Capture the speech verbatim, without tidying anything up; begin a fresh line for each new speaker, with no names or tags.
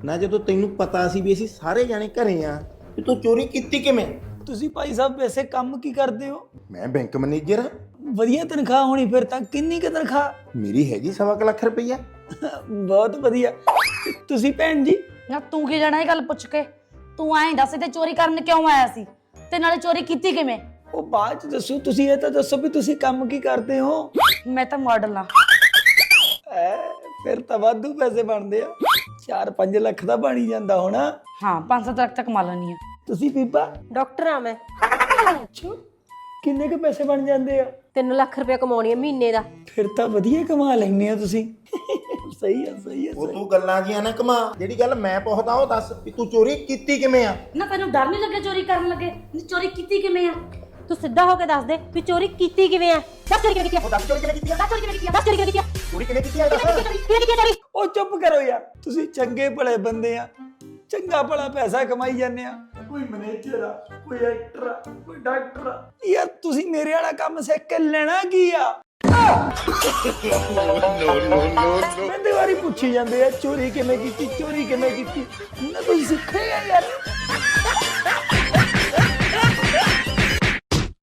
ਨਾ ਜਦੋਂ ਤੈਨੂੰ ਪਤਾ ਸੀ ਵੀ ਅਸੀਂ ਸਾਰੇ ਜਾਣੇ ਘਰੇ ਆ ਤੇ ਤੂੰ ਚੋਰੀ ਕੀਤੀ ਕਿਵੇਂ?
ਤੁਸੀਂ ਭਾਈ ਸਾਹਿਬ ਵੈਸੇ ਕੰਮ ਕੀ ਕਰਦੇ ਹੋ?
ਮੈਂ ਬੈਂਕ ਮੈਨੇਜਰ ਹਾਂ।
ਵਧੀਆ ਤਨਖਾਹ ਹੋਣੀ ਫਿਰ ਤਾਂ। ਕਿੰਨੀ ਕੁ ਤਨਖਾਹ?
ਮੇਰੀ ਹੈਗੀ ਸਵਾ ਕੁ ਲੱਖ ਰੁਪਈਆ।
ਬਹੁਤ ਵਧੀਆ। ਤੁਸੀਂ ਭੈਣ ਜੀ?
ਨਾ ਤੂੰ ਕੀ ਜਾਣਾ ਇਹ ਗੱਲ ਪੁੱਛ ਕੇ? ਤੂੰ ਐਂ ਦੱਸ ਤੇ ਚੋਰੀ ਕਰਨ ਕਿਉਂ ਆਇਆ ਸੀ ਤੇ ਨਾਲੇ ਚੋਰੀ ਕੀਤੀ ਕਿਵੇਂ?
ਉਹ ਬਾਅਦ ਚ ਦੱਸੋ, ਤੁਸੀਂ ਇਹ ਤਾਂ ਦੱਸੋ ਵੀ ਤੁਸੀਂ ਕੰਮ ਕੀ ਕਰਦੇ ਹੋ?
ਮੈਂ ਤਾਂ ਮਾਡਲ ਆ।
ਐ ਫਿਰ ਤਾਂ ਵਾਧੂ ਪੈਸੇ ਬਣਦੇ ਆ। ਚਾਰ ਪੰਜ ਲੱਖ ਦਾ ਬਣ ਹੀ ਜਾਂਦਾ ਹੋਣਾ।
ਹਾਂ ਪੰਜ ਸੱਤ ਲੱਖ ਤੱਕ ਕਮਾ ਲੈਣੀ ਆ।
ਤੁਸੀਂ ਬੀਬਾ?
ਡਾਕਟਰ ਆ ਮੈਂ।
ਅੱਛਾ, ਕਿੰਨੇ ਕੁ ਪੈਸੇ ਬਣ ਜਾਂਦੇ ਆ?
ਤਿੰਨ ਲੱਖ ਰੁਪਏ ਕਮਾਉਣੀ ਆ ਮਹੀਨੇ ਦਾ।
ਫਿਰ ਤਾਂ ਵਧੀਆ ਕਮਾ ਲੈਂਦੇ ਆ ਤੁਸੀਂ। ਸਹੀ ਆ ਸਹੀ ਆ
ਉਹ ਤੂੰ ਗੱਲਾਂ ਜੀਆਂ ਨਾ ਕਮਾ, ਜਿਹੜੀ ਗੱਲ ਮੈਂ ਪੁੱਛਦਾ ਉਹ ਦੱਸ ਵੀ ਤੂੰ ਚੋਰੀ ਕੀਤੀ ਕਿਵੇਂ ਆ?
ਨਾ ਤੈਨੂੰ ਡਰ ਨਹੀਂ ਲੱਗਿਆ ਚੋਰੀ ਕਰਨ ਲੱਗੇ? ਚੋਰੀ ਕੀਤੀ ਕਿਵੇਂ ਆ?
ਤੂੰ ਸਿੱਧਾ ਹੋ ਕੇ ਦੱਸ ਦੇ ਵੀ ਚੋਰੀ ਕੀਤੀ ਕਿਵੇਂ ਆ? ਦੱਸ ਚੋਰੀ ਕਿਵੇਂ ਕੀਤੀ ਆ?
ਦੱਸ ਚੋਰੀ ਕਿਵੇਂ ਕੀਤੀ ਆ?
ਦੱਸ ਚੋਰੀ ਕਿਵੇਂ ਕੀਤੀ ਆ? ਦੱਸ ਚੋਰੀ ਕਿਵੇਂ ਕੀਤੀ ਆ?
ਚੋਰੀ ਕਿਵੇਂ ਕੀਤੀ ਆ? ਦੱਸ।
ਕਿਵੇਂ ਕੀਤੀ ਆ ਚੋਰੀ?
ਉਹ ਚੁੱਪ ਕਰੋ ਯਾਰ, ਤੁਸੀਂ ਚੰਗੇ ਭਲੇ ਬੰਦੇ ਆ, ਚੰਗਾ ਭਲਾ ਪੈਸਾ ਕਮਾਈ ਜਾਂਦੇ ਆ। ਕੋਈ ਮੈਨੇਜਰ ਆ, ਕੋਈ ਐਕਟਰ ਆ, ਕੋਈ ਡਾਕਟਰ ਆ। ਯਾਰ ਤੁਸੀਂ ਮੇਰੇ ਵਾਲਾ ਕੰਮ ਸਿੱਖ ਕੇ ਲੈਣਾ ਕੀ ਆ? ਮੈਂ ਵਾਰੀ ਪੁੱਛੀ ਜਾਂਦੇ ਆ ਚੋਰੀ ਕਿਵੇਂ ਕੀਤੀ, ਚੋਰੀ ਕਿਵੇਂ ਕੀਤੀ। ਨਾ ਤੁਸੀਂ ਸਿੱਖਿਆ ਯਾਰ।